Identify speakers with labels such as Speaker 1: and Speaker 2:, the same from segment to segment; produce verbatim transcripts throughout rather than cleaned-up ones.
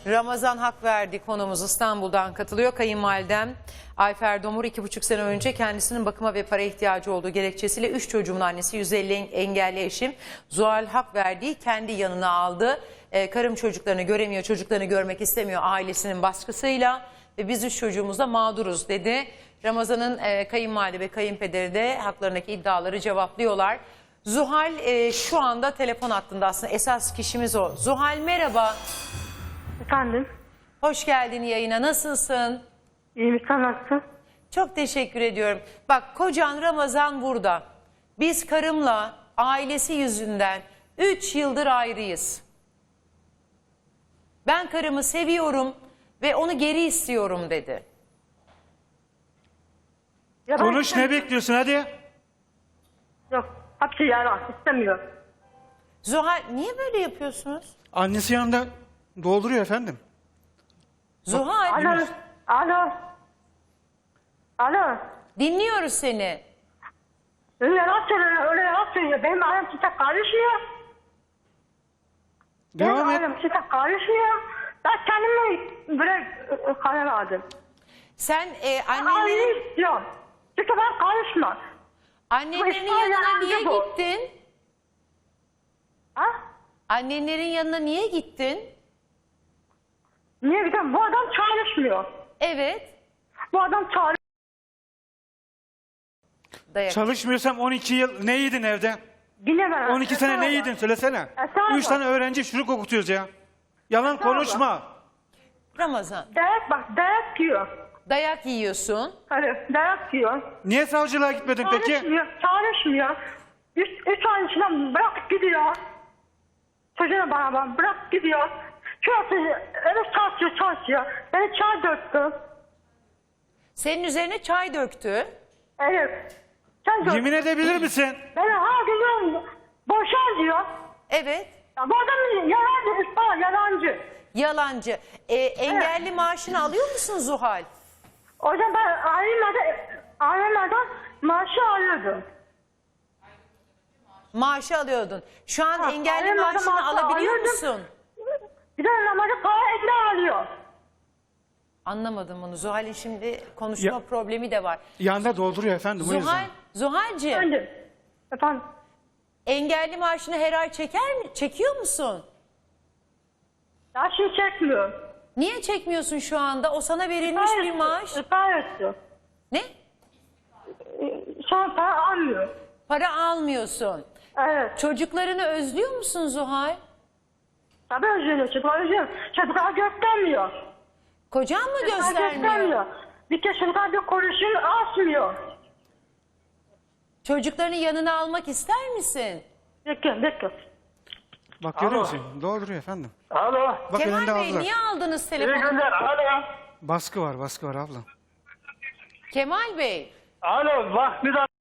Speaker 1: Ramazan Hakverdi konumuz İstanbul'dan katılıyor. Kayınvalidem Ayfer Domur iki buçuk sene önce kendisinin bakıma ve para ihtiyacı olduğu gerekçesiyle üç çocuğumun annesi yüz elli engelli eşim Zuhal Hakverdi'yi kendi yanına aldı. Ee, karım çocuklarını göremiyor, çocuklarını görmek istemiyor ailesinin baskısıyla ve biz üç çocuğumuzda mağduruz dedi. Ramazan'ın e, kayınvalide ve kayınpederi de haklarındaki iddiaları cevaplıyorlar. Zuhal e, şu anda telefon hattında, aslında esas kişimiz o. Zuhal merhaba.
Speaker 2: Efendim?
Speaker 1: Hoş geldin yayına. Nasılsın?
Speaker 2: İyiyim, sen nasılsın?
Speaker 1: Çok teşekkür ediyorum. Bak, kocan Ramazan burada. Biz karımla ailesi yüzünden üç yıldır ayrıyız. Ben karımı seviyorum ve onu geri istiyorum dedi.
Speaker 2: Ya ben
Speaker 3: Konuş, ne
Speaker 2: istemiyorum.
Speaker 3: bekliyorsun hadi.
Speaker 2: Yok, hapsi yalan, istemiyor.
Speaker 1: Zuhal, niye böyle yapıyorsunuz?
Speaker 3: Annesi yanında dolduruyor efendim.
Speaker 1: Zuhal,
Speaker 2: Alo, alo. Alo.
Speaker 1: dinliyoruz seni.
Speaker 2: Öyle yalan söylüyor, öyle yalan söylüyor. Benim ailem size karışmıyor. Benim
Speaker 3: Devam et.
Speaker 2: ailem size karışmıyor. Ben kendime böyle e, karar aldım.
Speaker 1: Sen e,
Speaker 2: Ben
Speaker 1: annenlerin,
Speaker 2: ailemi istiyorum. Çünkü ben karışmam.
Speaker 1: annenlerin
Speaker 2: Bu
Speaker 1: yanına
Speaker 2: İspanya
Speaker 1: niye
Speaker 2: bu.
Speaker 1: gittin?
Speaker 2: Ha?
Speaker 1: Annenlerin yanına niye gittin?
Speaker 2: Niye gidiyorum? Bu adam çalışmıyor.
Speaker 1: Evet.
Speaker 2: Bu adam çalışmıyor.
Speaker 1: Dayak.
Speaker 3: Çalışmıyorsam on iki yıl ne yedin evde?
Speaker 2: Bilemem.
Speaker 3: on iki sene ne yedin söylesene.
Speaker 2: Estağfurullah.
Speaker 3: Üç tane öğrenci çürük okutuyoruz ya. Yalan konuşma.
Speaker 1: Ramazan,
Speaker 2: Dayak bak, dayak yiyor.
Speaker 1: dayak yiyorsun.
Speaker 2: Hani dayak yiyor.
Speaker 3: Niye savcılığa gitmedin peki?
Speaker 2: Çalışmıyor, çalışmıyor. Üç, üç ay içinde bırakıp gidiyor. Çocuğuna beraber bırakıp gidiyor. Şurası eve çalışıyor, çalışıyor. Beni çay döktü.
Speaker 1: Senin üzerine çay döktü.
Speaker 2: Evet. Çay döktü.
Speaker 3: Yemin edebilir misin?
Speaker 2: Beni her gün diyorum, boşan diyor.
Speaker 1: Evet.
Speaker 2: Ya bu adam yalancı, usta yalancı.
Speaker 1: Yalancı. E, engelli maaşını alıyor musun Zuhal?
Speaker 2: O yüzden ben ailemadan, ailemadan maaşı alıyordum.
Speaker 1: Maaşı alıyordun. Şu an
Speaker 2: Ha,
Speaker 1: engelli
Speaker 2: ailem adam
Speaker 1: maaşını
Speaker 2: maaşı
Speaker 1: alabiliyor
Speaker 2: alıyordum.
Speaker 1: musun?
Speaker 2: Bir de namazı para ekle alıyor.
Speaker 1: Anlamadım bunu. Zuhal'in şimdi konuşma
Speaker 3: Ya-
Speaker 1: problemi de var.
Speaker 3: Yanında dolduruyor efendim o
Speaker 1: Zuhal,
Speaker 3: yüzden.
Speaker 1: Zuhal'cığım,
Speaker 2: Efendim. Efendim.
Speaker 1: engelli maaşını her ay çeker mi? Çekiyor musun?
Speaker 2: Ya şimdi çekmiyor.
Speaker 1: Niye çekmiyorsun şu anda? O sana verilmiş bir maaş.
Speaker 2: İptal etti.
Speaker 1: Ne?
Speaker 2: Şu an para almıyor.
Speaker 1: Para almıyorsun.
Speaker 2: Evet.
Speaker 1: Çocuklarını özlüyor musun Zuhal?
Speaker 2: Tabii özlüyor. Çocuklar özlüyor. Çocuklar göstermiyor.
Speaker 1: Kocan mı
Speaker 2: Çocuklar
Speaker 1: göstermiyor?
Speaker 2: göstermiyor. Bir kez çocuklar bir konuşun asmıyor.
Speaker 1: Çocuklarını yanına almak ister misin?
Speaker 2: Bekle bekle.
Speaker 3: Bak görüyor
Speaker 4: Alo.
Speaker 3: musun? Dolduruyor efendim.
Speaker 4: Alo.
Speaker 3: Bak
Speaker 1: Kemal
Speaker 3: elinde
Speaker 1: Bey,
Speaker 3: aldılar.
Speaker 1: niye aldınız
Speaker 4: İyi
Speaker 1: telefonu?
Speaker 4: günler. Alo.
Speaker 3: Baskı var baskı var abla.
Speaker 1: Kemal Bey,
Speaker 4: Alo. Bak bir dakika.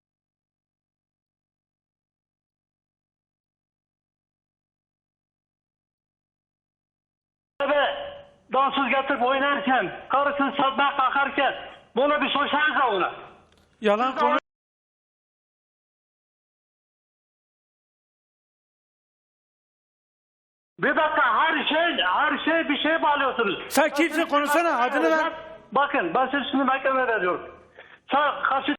Speaker 4: Dansöz getirip oynarken, karısını satmaya kalkarken bunu bir sorsanıza ona.
Speaker 3: Yalan konuş.
Speaker 4: Bir dakika, her şey, her şey bir şey bağlıyorsunuz.
Speaker 3: Sen kimsin, konuşsana, adını ver.
Speaker 4: Bakın, ben size şimdi mahkemeye veriyorum. Sen karşı...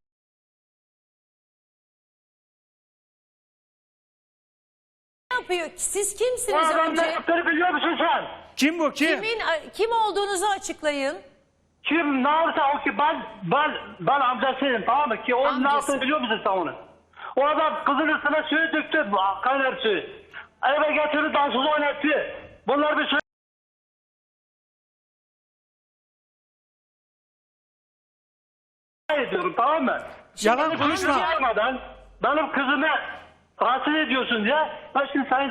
Speaker 1: ne yapıyor? Siz
Speaker 4: Bu
Speaker 1: kimsiniz
Speaker 4: adam ne
Speaker 1: önce?
Speaker 4: yaptığını biliyor musun sen?
Speaker 3: Kim bu kim?
Speaker 1: Kimin, kim olduğunuzu açıklayın.
Speaker 4: Kim ne yapsa o ki ben, ben, ben amcasıyım, tamam mı? Ki o
Speaker 1: Amcası.
Speaker 4: ne yaptığını biliyor musun sen onu? O adam kızın üstüne suyu döktü, kaynar suyu. Eve getirdi, dansöz oynattı. Bunlar bir şey... ediyorum, tamam mı?
Speaker 3: Yalan
Speaker 1: Şimdi
Speaker 3: konuşma.
Speaker 1: amca-
Speaker 4: Yapmadan benim kızımı rahatsız ediyorsun diye ben şimdi sayın...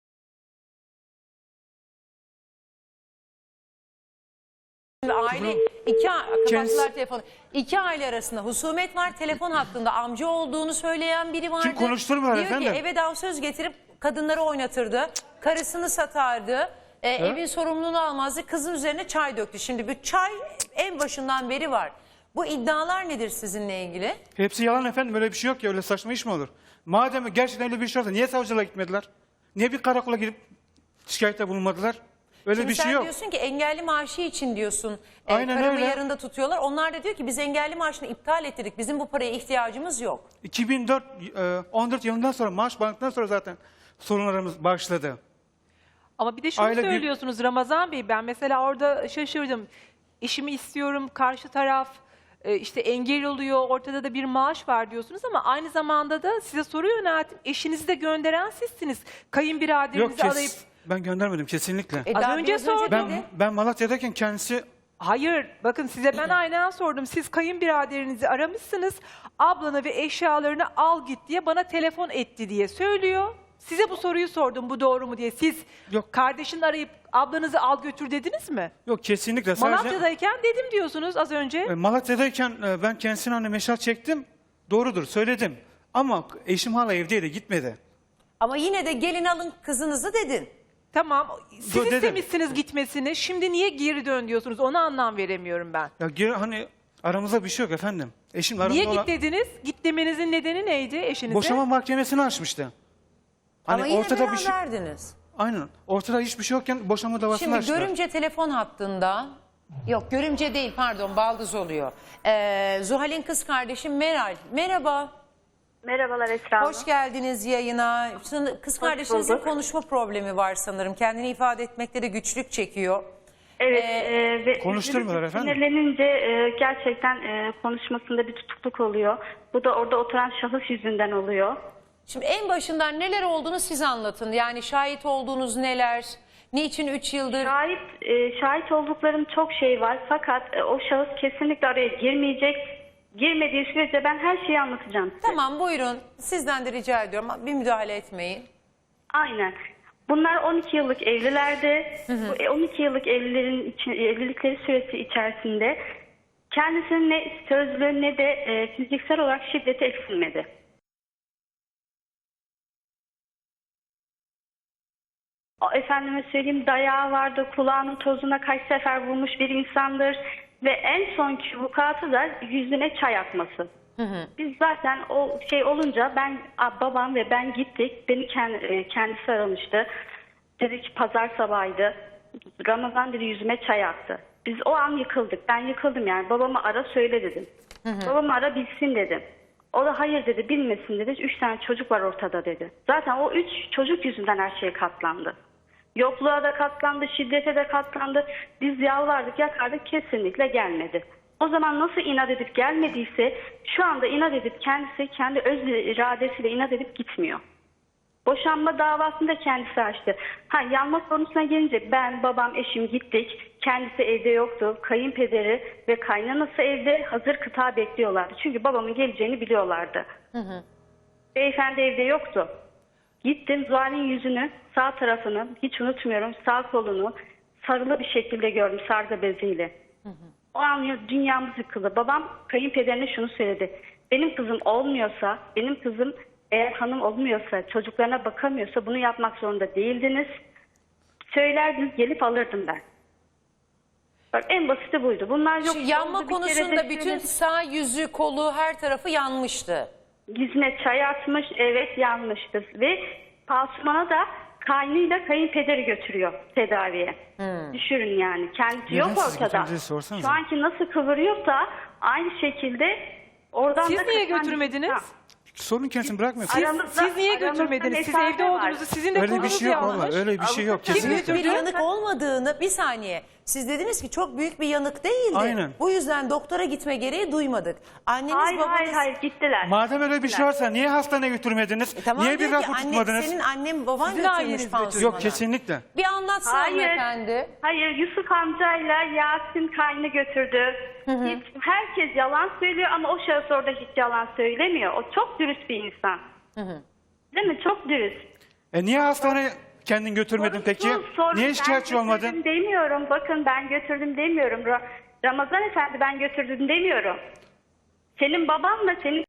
Speaker 1: Aile iki a- kapattılar
Speaker 3: Kendisi-
Speaker 1: telefonu. İki aile arasında husumet var. Telefon hakkında amca olduğunu söyleyen biri vardı.
Speaker 3: Kim konuşturmuyor
Speaker 1: Diyor
Speaker 3: efendim?
Speaker 1: ki eve dansöz getirip kadınları oynatırdı. Karısını satardı. E, evin sorumluluğunu almazdı. Kızın üzerine çay döktü. Şimdi bu çay en başından beri var. Bu iddialar nedir sizinle ilgili?
Speaker 3: Hepsi yalan efendim, öyle bir şey yok ya, öyle saçma iş mi olur? Madem gerçekten öyle bir şey olsa niye savcılığa gitmediler? Niye bir karakola gidip şikayette bulunmadılar? Öyle
Speaker 1: Şimdi
Speaker 3: bir şey
Speaker 1: sen
Speaker 3: yok.
Speaker 1: diyorsun ki engelli maaşı için diyorsun. E,
Speaker 3: Aynen
Speaker 1: karımı
Speaker 3: öyle.
Speaker 1: yarında tutuyorlar. Onlar da diyor ki biz engelli maaşını iptal ettirdik. Bizim bu paraya ihtiyacımız yok.
Speaker 3: iki bin dört, e, on dört yılından sonra maaş bandıktan sonra zaten sorunlarımız başladı.
Speaker 5: Ama bir de şunu
Speaker 3: Aile bir-
Speaker 5: söylüyorsunuz Ramazan Bey, ben mesela orada şaşırdım. Eşimi istiyorum, karşı taraf e, işte engel oluyor, ortada da bir maaş var diyorsunuz ama aynı zamanda da size soru yönelttim. Eşinizi de gönderen sizsiniz.
Speaker 3: Yok
Speaker 5: Kayınbiraderinizi
Speaker 3: kes,
Speaker 5: arayıp...
Speaker 3: ben göndermedim kesinlikle.
Speaker 1: E,
Speaker 5: Az
Speaker 1: daha
Speaker 5: önce
Speaker 1: biraz
Speaker 5: sordum.
Speaker 3: ben
Speaker 1: dedi.
Speaker 3: ben Malatya'dayken kendisi
Speaker 5: Hayır, bakın size ben aynen sordum. Siz kayınbiraderinizi aramışsınız, ablanı ve eşyalarını al git diye bana telefon etti diye söylüyor. Size bu soruyu sordum, bu doğru mu diye. Siz
Speaker 3: Yok.
Speaker 5: kardeşini arayıp ablanızı al götür dediniz mi?
Speaker 3: yok kesinlikle sadece
Speaker 5: Malatya'dayken dedim diyorsunuz az önce.
Speaker 3: e, Malatya'dayken e, ben kendisine hani meşal çektim. Doğrudur söyledim. Ama eşim hala evdeydi gitmedi.
Speaker 1: Ama yine de gelin alın kızınızı dedin.
Speaker 5: Tamam, siz
Speaker 3: Dur, dedim.
Speaker 5: istemişsiniz gitmesini. Şimdi niye geri dön diyorsunuz? Ona anlam veremiyorum ben.
Speaker 3: Ya geri, hani aramızda bir şey yok efendim. Eşim aramda
Speaker 5: Niye
Speaker 3: olan
Speaker 5: git dediniz? Git demenizin nedeni neydi eşinize?
Speaker 3: boşama mahkemesini açmıştı. Hani
Speaker 1: Ama yine
Speaker 3: ortada bir şey
Speaker 1: beraberdiniz.
Speaker 3: aynen. Ortada hiçbir şey yokken boşama davasını
Speaker 1: Şimdi
Speaker 3: açtılar.
Speaker 1: görümce telefon hattında, yok görümce değil pardon baldız oluyor. Ee, Zuhal'in kız kardeşi Meral. Merhaba,
Speaker 2: Merhabalar Esra Hanım.
Speaker 1: hoş geldiniz yayına. Şimdi kız kardeşinizin
Speaker 2: bulduk.
Speaker 1: konuşma problemi var sanırım. Kendini ifade etmekte de güçlük çekiyor.
Speaker 2: Evet. e, ve
Speaker 3: konuşturmuyorlar
Speaker 2: üzülüp
Speaker 3: efendim.
Speaker 2: Sinirlenince e, gerçekten e, konuşmasında bir tutukluk oluyor. Bu da orada oturan şahıs yüzünden oluyor.
Speaker 1: Şimdi en başından neler olduğunu siz anlatın. Yani şahit olduğunuz neler, niçin üç yıldır...
Speaker 2: Şahit e, şahit olduklarım çok şey var fakat e, o şahıs kesinlikle araya girmeyecek. Girmediği sürece ben her şeyi anlatacağım size.
Speaker 1: Tamam buyurun, sizden de rica ediyorum bir müdahale etmeyin.
Speaker 2: Aynen. Bunlar on iki yıllık evlilerdi. Bu on iki yıllık evlilerin içi- evlilikleri süresi içerisinde kendisinin ne sözlü ne de e, fiziksel olarak şiddeti eksilmedi. O, efendime söyleyeyim dayağı vardı, kulağının tozuna kaç sefer vurmuş bir insandır ve en sonki vukuatı da yüzüne çay atması. Biz zaten o şey olunca ben a, babam ve ben gittik. Beni kend- kendisi aramıştı. Dedi ki pazar sabahıydı. Ramazan dedi yüzüme çay attı. Biz o an yıkıldık. Ben yıkıldım yani. Babamı ara söyle dedim. Babamı ara bilsin dedim. O da hayır dedi bilmesin dedi. Üç tane çocuk var ortada dedi. Zaten o üç çocuk yüzünden her şeye katlandı. Yokluğa da katlandı, şiddete de katlandı. Biz yalvardık, yakardık kesinlikle gelmedi. O zaman nasıl inat edip gelmediyse şu anda inat edip kendisi kendi öz iradesiyle inat edip gitmiyor. Boşanma davasını da kendisi açtı. Ha yanma konusuna gelince ben, babam, eşim gittik. Kendisi evde yoktu. Kayınpederi ve kaynanası evde hazır kıta bekliyorlardı. Çünkü babamın geleceğini biliyorlardı. Hı hı. Beyefendi evde yoktu. Gittim Zuhal'in yüzünü, sağ tarafını hiç unutmuyorum, sağ kolunu sarılı bir şekilde gördüm sargı beziyle. Hı hı. O an dünyamız yıkıldı. Babam kayınpederine şunu söyledi. Benim kızım olmuyorsa, benim kızım eğer hanım olmuyorsa, çocuklarına bakamıyorsa bunu yapmak zorunda değildiniz. Söylerdiniz gelip alırdım ben. Bak en basiti buydu. Bunlar yok.
Speaker 1: Şu yanma
Speaker 2: oldu, bir kere de
Speaker 1: konusunda bütün
Speaker 2: şöyle-
Speaker 1: sağ yüzü, kolu, her tarafı yanmıştı.
Speaker 2: Yüzüne çay atmış, evet yanmıştı. Ve Pasuman'a da kaynıyla kayınpederi götürüyor tedaviye. Düşürün yani. Kendisi
Speaker 3: Neden
Speaker 2: yok
Speaker 3: siz
Speaker 2: ortada.
Speaker 3: getirdiniz sorsanıza.
Speaker 2: Şu anki nasıl kıvırıyorsa aynı şekilde oradan
Speaker 5: Siz
Speaker 2: da...
Speaker 5: niye
Speaker 2: kısan-
Speaker 5: götürmediniz?
Speaker 2: Ha.
Speaker 3: Sorun kendisini bırakmıyor.
Speaker 5: Siz,
Speaker 2: Aramızda-
Speaker 5: siz niye
Speaker 2: aramızda
Speaker 5: götürmediniz? Siz
Speaker 2: mesafe
Speaker 5: evde
Speaker 2: var.
Speaker 5: olduğunuzu, sizin de
Speaker 3: Öyle bir
Speaker 5: kolunuz
Speaker 3: şey yok
Speaker 5: yanmış.
Speaker 3: valla. Öyle bir şey yok
Speaker 2: Avukat-
Speaker 3: kesinlikle.
Speaker 5: Kim
Speaker 1: Bir
Speaker 5: götürdü?
Speaker 1: yanık olmadığını bir saniye. Siz dediniz ki çok büyük bir yanık değildi.
Speaker 3: Aynen.
Speaker 1: Bu yüzden doktora gitme gereği duymadık. Anneniz
Speaker 2: Hayır
Speaker 1: babanız...
Speaker 2: hayır hayır gittiler.
Speaker 3: Madem öyle bir şey varsa niye hastaneye götürmediniz?
Speaker 1: E tamam
Speaker 3: niye bir
Speaker 1: diyor ki,
Speaker 3: rapor
Speaker 1: anne,
Speaker 3: tutmadınız?
Speaker 1: senin annen baban
Speaker 5: Sizin
Speaker 1: götürmüş
Speaker 5: aileniz
Speaker 1: pansumana.
Speaker 5: götürdü.
Speaker 3: Yok kesinlikle.
Speaker 1: Bir anlatsana
Speaker 2: Hayır.
Speaker 1: hanımefendi.
Speaker 2: Hayır Yusuf amcayla Yasin kaynı götürdü. Hiç, herkes yalan söylüyor ama o şahıs orada hiç yalan söylemiyor. O çok dürüst bir insan. Değil mi? Çok dürüst.
Speaker 3: E niye hastaneye kendin götürmedin peki?
Speaker 2: Sorumsuz, sorun-
Speaker 3: Niye şikayetçi
Speaker 2: ben
Speaker 3: olmadın?
Speaker 2: götürdüm demiyorum. Bakın ben götürdüm demiyorum. Ra- Ramazan Efendi ben götürdüm demiyorum. Senin babanla senin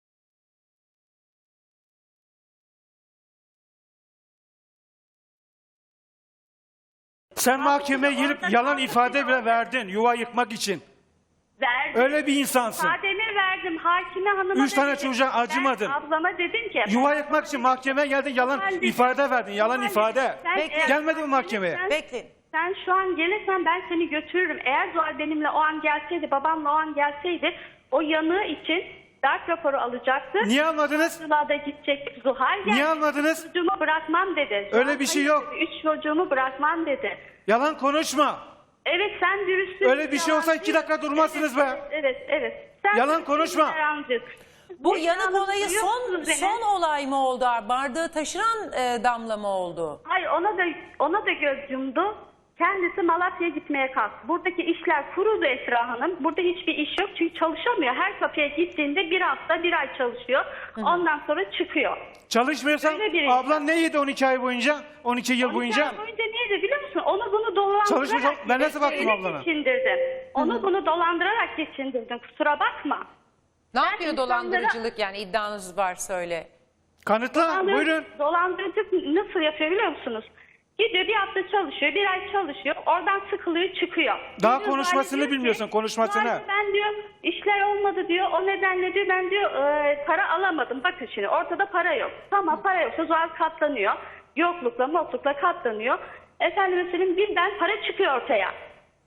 Speaker 3: Sen mahkemeye
Speaker 2: orada
Speaker 3: gelip yalan
Speaker 2: kaldı
Speaker 3: ifade
Speaker 2: ki
Speaker 3: bile
Speaker 2: orada-
Speaker 3: verdin yuva yıkmak için.
Speaker 2: verdim.
Speaker 3: Öyle bir insansın.
Speaker 2: İfademi verdim. Hakime hanıma
Speaker 3: Üç tane
Speaker 2: dedim.
Speaker 3: çocuğa
Speaker 2: Ben
Speaker 3: acımadın.
Speaker 2: ablama dedim ki.
Speaker 3: Yuva yıkmak için mahkemeye geldin yalan
Speaker 2: Ben dedim,
Speaker 3: ifade verdin. Yalan
Speaker 2: ben
Speaker 3: ifade.
Speaker 2: dedim, sen
Speaker 1: Bekle.
Speaker 2: eğer-
Speaker 3: Gelmedin mi mahkemeye?
Speaker 2: sen-
Speaker 1: Bekleyin.
Speaker 2: Sen şu an gelirsen ben seni götürürüm. Eğer Zuhal benimle o an gelseydi, babamla o an gelseydi o yanığı için darp raporu alacaktı.
Speaker 3: Niye almadınız?
Speaker 2: Savcılığa gidecek. Zuhal geldi.
Speaker 3: Niye almadınız?
Speaker 2: Çocuğumu bırakmam dedi. Zuhal
Speaker 3: Öyle bir şey
Speaker 2: hayır
Speaker 3: yok.
Speaker 2: dedi, Üç çocuğumu bırakmam dedi.
Speaker 3: Yalan konuşma.
Speaker 2: Evet sen dürüstsün.
Speaker 3: Öyle bir şey olsa iki dakika durmazsınız be.
Speaker 2: Evet evet. Sen
Speaker 3: Yalan
Speaker 2: dürüstsün,
Speaker 3: konuşma.
Speaker 2: Yalancı.
Speaker 1: Bu
Speaker 2: Ne
Speaker 1: yanık
Speaker 2: yalnız
Speaker 1: olayı
Speaker 2: biliyor
Speaker 1: son
Speaker 2: musunuz beni?
Speaker 1: son olay mı oldu? Bardağı taşıran e, damla mı oldu?
Speaker 2: Hayır ona da ona da göz yumdu. Kendisi Malatya'ya gitmeye kalktı. Buradaki işler kurudu Esra Hanım. Burada hiçbir iş yok çünkü çalışamıyor. Her kapıya gittiğinde bir hafta bir ay çalışıyor. Ondan sonra çıkıyor.
Speaker 3: Çalışmıyorsan
Speaker 2: Öyle biri.
Speaker 3: ablan ne yedi on iki ay boyunca? on iki yıl
Speaker 2: on iki
Speaker 3: boyunca?
Speaker 2: ay boyunca neydi biliyor musun? Onu bunu dolandırarak
Speaker 3: Çalışmayacak. Ben nasıl baktım
Speaker 2: öyle
Speaker 3: ablana?
Speaker 2: geçindirdin. Onu bunu dolandırarak geçindirdin. Kusura bakma.
Speaker 1: Ne yapıyor
Speaker 2: insanlara-
Speaker 1: dolandırıcılık yani iddianız var söyle.
Speaker 3: Kanıtla.
Speaker 2: Dolandır-
Speaker 3: Buyurun.
Speaker 2: Dolandırıcılık nasıl yapıyor biliyor musunuz? Gidiyor bir hafta çalışıyor, bir ay çalışıyor. Oradan sıkılıyor, çıkıyor.
Speaker 3: Daha
Speaker 2: Gidiyor,
Speaker 3: konuşmasını
Speaker 2: Zuhal'e diyor ki,
Speaker 3: bilmiyorsun, konuşmasını.
Speaker 2: "Zuhal'e ben diyor işler olmadı diyor. O nedenle diyor ben diyor e, para alamadım. Bakın şimdi ortada para yok. Tamam para yoksa Zuhal katlanıyor. Yoklukla moklukla katlanıyor. Efendim mesela birden para çıkıyor ortaya.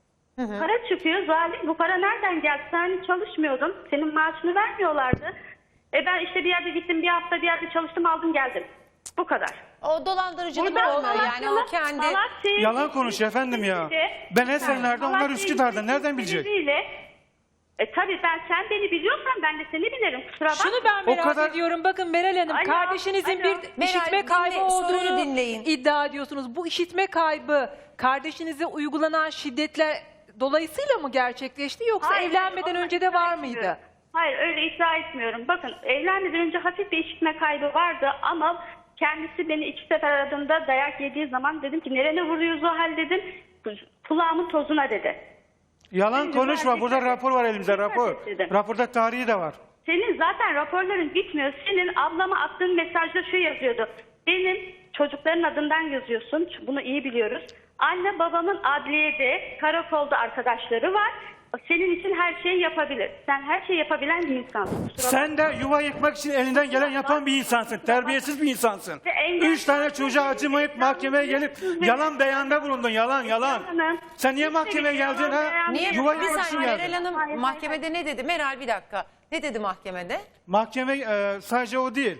Speaker 2: Para çıkıyor. Zuhal bu para nereden geldi? Sen hani çalışmıyordun. Senin maaşını vermiyorlardı. E ben işte bir yerde gittim bir hafta bir yerde çalıştım aldım geldim. Bu kadar.
Speaker 1: O dolandırıcılık
Speaker 2: Buradan
Speaker 1: olmuyor yani o
Speaker 2: Malatya'lı-
Speaker 1: kendi...
Speaker 2: Malatya'ya
Speaker 3: Yalan
Speaker 2: gittim.
Speaker 3: konuşuyor efendim ya.
Speaker 2: İzmir'de-
Speaker 3: Ben Esenler'de, onlar
Speaker 2: Malatya'ya
Speaker 3: Üsküdar'da.
Speaker 2: gittim
Speaker 3: Nereden bilecek?
Speaker 2: sebebiyle- E tabii ben sen beni biliyorsan ben de seni bilirim. Kusura bakma.
Speaker 5: Şunu ben
Speaker 3: O
Speaker 5: merak
Speaker 3: kadar-
Speaker 5: ediyorum. Bakın Meral Hanım
Speaker 2: Alo,
Speaker 5: kardeşinizin
Speaker 2: alo.
Speaker 5: bir
Speaker 1: Meral,
Speaker 5: işitme
Speaker 1: dinle,
Speaker 5: kaybı
Speaker 1: soruyu
Speaker 5: olduğunu
Speaker 1: dinleyin.
Speaker 5: iddia ediyorsunuz. Bu işitme kaybı kardeşinize uygulanan şiddetler dolayısıyla mı gerçekleşti yoksa
Speaker 2: Hayır,
Speaker 5: evlenmeden
Speaker 2: onu
Speaker 5: önce de
Speaker 2: iddia
Speaker 5: var
Speaker 2: etmiyorum.
Speaker 5: mıydı?
Speaker 2: Hayır öyle iddia etmiyorum. Bakın evlenmeden önce hafif bir işitme kaybı vardı ama kendisi beni iki sefer aradığında dayak yediği zaman dedim ki nerene vuruyor Zuhal dedim. Kulağımın tozuna dedi.
Speaker 3: Yalan
Speaker 2: Şimdi
Speaker 3: konuşma.
Speaker 2: ben
Speaker 3: Burada
Speaker 2: dikkat et.
Speaker 3: rapor var elimizde,
Speaker 2: Dikkat
Speaker 3: rapor.
Speaker 2: et dedim.
Speaker 3: Raporda tarihi de var.
Speaker 2: Senin zaten raporların bitmiyor. Senin ablama attığın mesajda şu yazıyordu. Benim çocukların adından yazıyorsun. Bunu iyi biliyoruz. Anne babamın adliyede, karakolda arkadaşları var. Senin için her şeyi yapabilir. Sen her şeyi yapabilen bir insansın. Kusura
Speaker 3: Sen de yuva yıkmak için elinden gelen yapan bir insansın. Terbiyesiz bir insansın.
Speaker 2: Ve engel-
Speaker 3: Üç tane çocuğa acımayıp mahkemeye gelip yalan beyanda bulundun. Yalan yalan.
Speaker 2: Hanım,
Speaker 3: Sen niye
Speaker 2: hiç
Speaker 3: mahkemeye
Speaker 2: bir
Speaker 3: geldin
Speaker 2: yalan
Speaker 3: ha?
Speaker 2: beyan
Speaker 1: Niye?
Speaker 3: Yuva
Speaker 1: Bir
Speaker 3: yıkmak için
Speaker 1: saniye Meral
Speaker 3: geldin.
Speaker 1: Hanım
Speaker 2: Hayır, hayır,
Speaker 1: mahkemede ne dedi? Meral bir dakika. Ne dedi mahkemede?
Speaker 3: Mahkeme e, sadece o değil.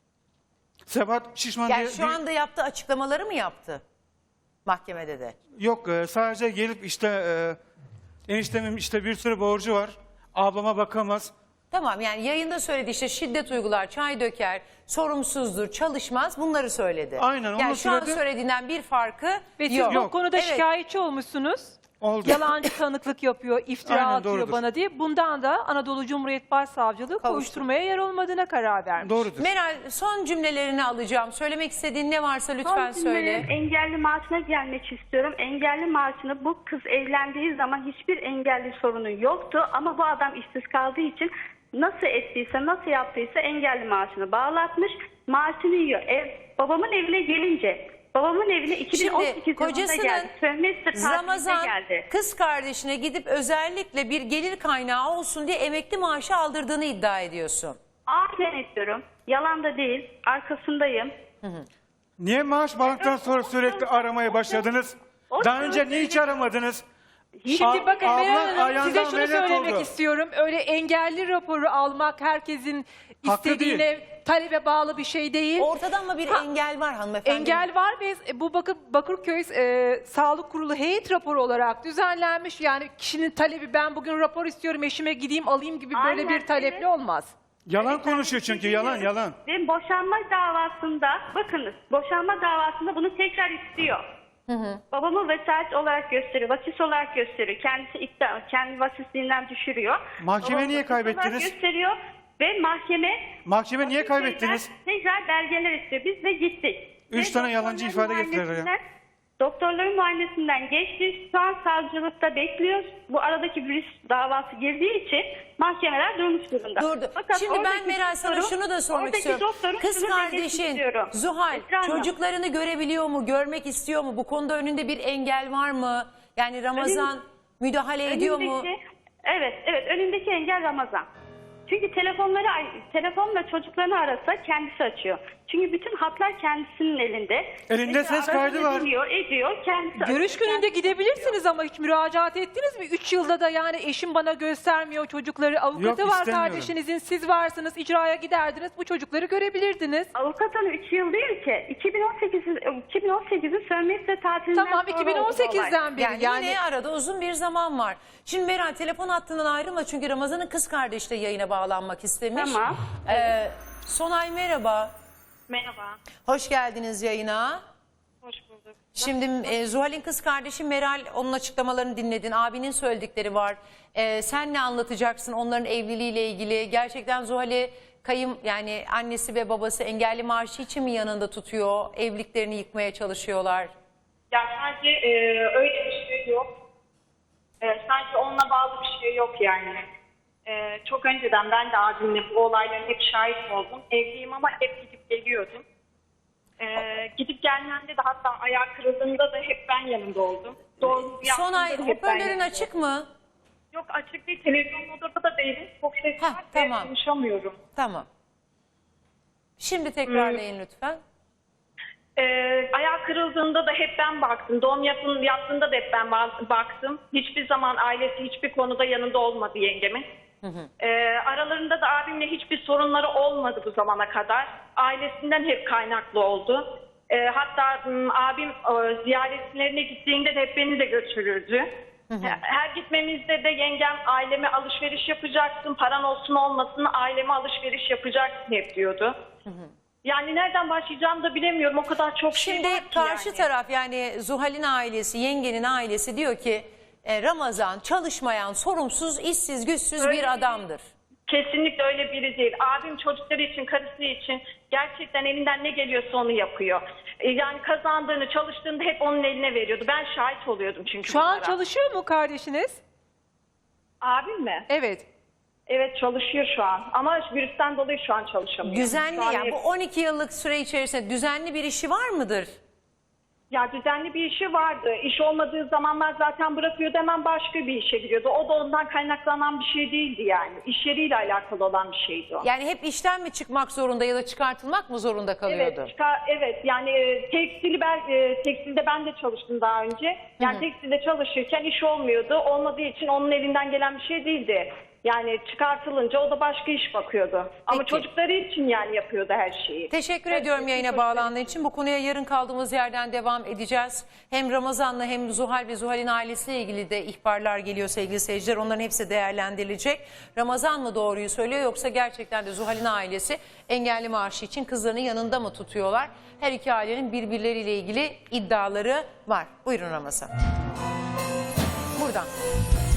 Speaker 3: Sebat Şişman
Speaker 1: Yani
Speaker 3: diye
Speaker 1: şu
Speaker 3: bir-
Speaker 1: anda yaptığı açıklamaları mı yaptı? Mahkemede de.
Speaker 3: yok e, sadece gelip işte e, eniştemin işte bir sürü borcu var. Ablama bakamaz.
Speaker 1: Tamam yani yayında söyledi işte şiddet uygular, çay döker, sorumsuzdur, çalışmaz bunları söyledi.
Speaker 3: Aynen, onu
Speaker 1: Yani şu an
Speaker 3: söyledi.
Speaker 1: söylediğinden bir farkı
Speaker 5: Ve siz
Speaker 1: yok.
Speaker 5: bu konuda
Speaker 1: Evet.
Speaker 5: şikayetçi olmuşsunuz.
Speaker 3: Oldu.
Speaker 5: Yalancı tanıklık yapıyor, iftira
Speaker 3: Aynen,
Speaker 5: atıyor
Speaker 3: doğrudur.
Speaker 5: bana diye. Bundan da Anadolu Cumhuriyet Başsavcılığı koşturmaya yer olmadığına karar vermiş.
Speaker 3: Doğrudur.
Speaker 1: Meral son cümlelerini alacağım. Söylemek istediğin ne varsa lütfen
Speaker 2: Son
Speaker 1: söyle.
Speaker 2: cümlem, engelli maaşına gelmek istiyorum. Engelli maaşını bu kız evlendiği zaman hiçbir engelli sorunu yoktu. Ama bu adam işsiz kaldığı için nasıl ettiyse, nasıl yaptıysa engelli maaşını bağlatmış. Maaşını yiyor. Ev, babamın evine gelince, babamın evine iki bin on
Speaker 1: Şimdi
Speaker 2: sekiz yılında
Speaker 1: kocasının
Speaker 2: geldi. Sömestr tatilinde
Speaker 1: Ramazan
Speaker 2: geldi.
Speaker 1: kız kardeşine gidip özellikle bir gelir kaynağı olsun diye emekli maaşı aldırdığını iddia ediyorsun.
Speaker 2: Aynen ediyorum. Yalan da değil. Arkasındayım.
Speaker 3: Niye maaş bağlantıdan sonra sürekli aramaya başladınız?
Speaker 2: O
Speaker 3: Daha önce
Speaker 2: sırada
Speaker 3: niye hiç aramadınız?
Speaker 5: Şimdi
Speaker 3: A-
Speaker 5: bakın
Speaker 3: abla
Speaker 5: Meral Hanım
Speaker 3: ayağından
Speaker 5: size şunu
Speaker 3: ameliyat
Speaker 5: söylemek
Speaker 3: oldu.
Speaker 5: istiyorum. Öyle engelli raporu almak herkesin
Speaker 3: Hakkı
Speaker 5: istediğine, talebe bağlı bir şey değil.
Speaker 1: Ortada ama bir
Speaker 5: Ha,
Speaker 1: engel var hanımefendi.
Speaker 5: Engel var ve e, bu bakın Bakırköy e, Sağlık Kurulu heyet raporu olarak düzenlenmiş. Yani kişinin talebi ben bugün rapor istiyorum eşime gideyim alayım gibi böyle
Speaker 2: Aynen,
Speaker 5: bir talepli
Speaker 2: evet.
Speaker 5: olmaz.
Speaker 3: Yalan konuşuyor çünkü yalan yalan.
Speaker 2: Ve boşanma davasında, bakınız boşanma davasında bunu tekrar istiyor. Babamı vesayet olarak gösteriyor, vasis olarak gösteriyor. Kendisi iddia, kendi vasisliğinden düşürüyor.
Speaker 3: Mahkeme
Speaker 2: Babamı
Speaker 3: niye
Speaker 2: vasis olarak
Speaker 3: kaybettiniz?
Speaker 2: gösteriyor ve mahkeme
Speaker 3: Mahkeme niye
Speaker 2: vasisliğinden
Speaker 3: kaybettiniz?
Speaker 2: Tekrar belgeler istiyor. Biz de gittik.
Speaker 3: Üç
Speaker 2: Ve
Speaker 3: tane yalancı
Speaker 2: doktorların
Speaker 3: ifade getirdiler ya.
Speaker 2: muayenesinden- Doktorların muayenesinden geçti. Şu an savcılıkta bekliyoruz. Bu aradaki virüs davası girdiği için mahkemeler durmuş durumda.
Speaker 1: Durdu.
Speaker 2: Fakat
Speaker 1: Şimdi ben
Speaker 2: oradaki
Speaker 1: Meral sana
Speaker 2: doktoru-
Speaker 1: şunu da sormak
Speaker 2: oradaki
Speaker 1: istiyorum.
Speaker 2: doktorun
Speaker 1: Kız
Speaker 2: şunu demesi
Speaker 1: kardeşin
Speaker 2: istiyorum.
Speaker 1: Zuhal
Speaker 2: Esra Hanım,
Speaker 1: çocuklarını görebiliyor mu, görmek istiyor mu? Bu konuda önünde bir engel var mı? Yani Ramazan müdahale ediyor mu?
Speaker 2: önündeki- Evet, evet. Önündeki engel Ramazan. Çünkü telefonları telefonla çocuklarını arasa kendisi açıyor. Çünkü bütün hatlar kendisinin elinde.
Speaker 3: Elinde
Speaker 2: Mesela
Speaker 3: ses kaydı
Speaker 2: aracını
Speaker 3: var.
Speaker 2: Biliyor, ediyor. Kendisi
Speaker 5: Görüş gününde gidebilirsiniz ama hiç müracaat ettiniz mi? Üç yılda da yani eşim bana göstermiyor çocukları. Avukatı
Speaker 3: Yok,
Speaker 5: var
Speaker 3: istemiyorum.
Speaker 5: kardeşinizin, siz varsınız, icraya giderdiniz. Bu çocukları görebilirdiniz.
Speaker 2: Avukatın üç yıl değil ki. iki bin on sekizin iki bin on sekizin sömestr tatilinden
Speaker 5: Tamam,
Speaker 2: sonra
Speaker 5: iki bin on
Speaker 2: oldu bu olay.
Speaker 5: sekizden beri
Speaker 1: Yani,
Speaker 5: yani,
Speaker 1: yine arada uzun bir zaman var. Şimdi Meral telefon hattından ayrılma çünkü Ramazan'ın kız kardeşi de yayına bağlanmak istemiş.
Speaker 2: Tamam.
Speaker 1: Ee, Sonay merhaba.
Speaker 2: Merhaba.
Speaker 1: Hoş geldiniz yayına.
Speaker 2: Hoş bulduk.
Speaker 1: Şimdi e, Zuhal'in kız kardeşi Meral, onun açıklamalarını dinledin. Abinin söyledikleri var. E, sen ne anlatacaksın onların evliliğiyle ilgili? Gerçekten Zuhal'i kayım yani annesi ve babası engelli maaşı için mi yanında tutuyor? Evliliklerini yıkmaya çalışıyorlar.
Speaker 6: Ya sadece e, öyle bir şey yok. E, sanki onunla bağlı bir şey yok yani. E, çok önceden ben de abimle bu olayların hep şahit oldum. Evliyim ama hep gidip geliyordum. E, gidip gelmemde de hatta ayağı kırıldığında da hep ben yanında oldum. Doğru
Speaker 1: Sonay
Speaker 6: yaptığımda da hep ben
Speaker 1: hoparlörün
Speaker 6: yanında
Speaker 1: açık
Speaker 6: oldum.
Speaker 1: mı?
Speaker 6: Yok açık değil. Televizyon odada da değilim. Çok ses
Speaker 1: Heh,
Speaker 6: var
Speaker 1: tamam.
Speaker 6: ve konuşamıyorum.
Speaker 1: Tamam. Şimdi tekrarlayın lütfen.
Speaker 6: Ee, ayağı kırıldığında da hep ben baktım. Doğum yapın, yaptığında da hep ben ba- baktım. Hiçbir zaman ailesi hiçbir konuda yanında olmadı yengemin. Ee, aralarında da abimle hiçbir sorunları olmadı bu zamana kadar. Ailesinden hep kaynaklı oldu. Ee, hatta m, abim e, ziyaretlerine gittiğinde de hep beni de götürürdü. Her gitmemizde de yengem aileme alışveriş yapacaksın, paran olsun olmasın aileme alışveriş yapacaksın hep diyordu. Yani nereden başlayacağımı da bilemiyorum. O kadar çok şey
Speaker 1: Şimdi
Speaker 6: var ki
Speaker 1: karşı
Speaker 6: yani.
Speaker 1: taraf yani Zuhal'in ailesi, yengenin ailesi diyor ki e, Ramazan çalışmayan, sorumsuz, işsiz, güçsüz
Speaker 6: Öyle
Speaker 1: bir adamdır.
Speaker 6: Kesinlikle öyle biri değil. Abim çocukları için, karısı için gerçekten elinden ne geliyorsa onu yapıyor. E, Yani kazandığını, çalıştığında hep onun eline veriyordu. Ben şahit oluyordum çünkü
Speaker 5: şu an
Speaker 6: bunlara.
Speaker 5: çalışıyor mu kardeşiniz?
Speaker 6: Abim mi?
Speaker 5: Evet.
Speaker 6: Evet çalışıyor şu an. Ama virüsten dolayı şu an çalışamıyor.
Speaker 1: Düzenli
Speaker 6: Şu an
Speaker 1: yani
Speaker 6: hep-
Speaker 1: bu on iki yıllık süre içerisinde düzenli bir işi var mıdır?
Speaker 6: Ya düzenli bir işi vardı. İş olmadığı zamanlar zaten bırakıyordu, hemen başka bir işe giriyordu. O da ondan kaynaklanan bir şey değildi yani. İş yeriyle alakalı olan bir şeydi o.
Speaker 1: Yani hep işten mi çıkmak zorunda ya da çıkartılmak mı zorunda kalıyordu?
Speaker 6: Evet, çıkar, evet yani e, tekstili ben e, tekstilde ben de çalıştım daha önce. Yani tekstilde çalışırken iş olmuyordu. Olmadığı için onun elinden gelen bir şey değildi. Yani çıkartılınca o da başka iş bakıyordu. Ama
Speaker 1: Peki.
Speaker 6: çocukları için yani yapıyordu her şeyi.
Speaker 1: Teşekkür
Speaker 6: Evet,
Speaker 1: ediyorum yayına
Speaker 6: teşekkür
Speaker 1: bağlandığın için. Bu konuya yarın kaldığımız yerden devam edeceğiz. Hem Ramazan'la hem Zuhal ve Zuhal'in ailesiyle ilgili de ihbarlar geliyor sevgili seyirciler. Onların hepsi değerlendirilecek. Ramazan mı doğruyu söylüyor yoksa gerçekten de Zuhal'in ailesi engelli maaşı için kızlarını yanında mı tutuyorlar? Her iki ailenin birbirleriyle ilgili iddiaları var. Buyurun Ramazan. Buradan.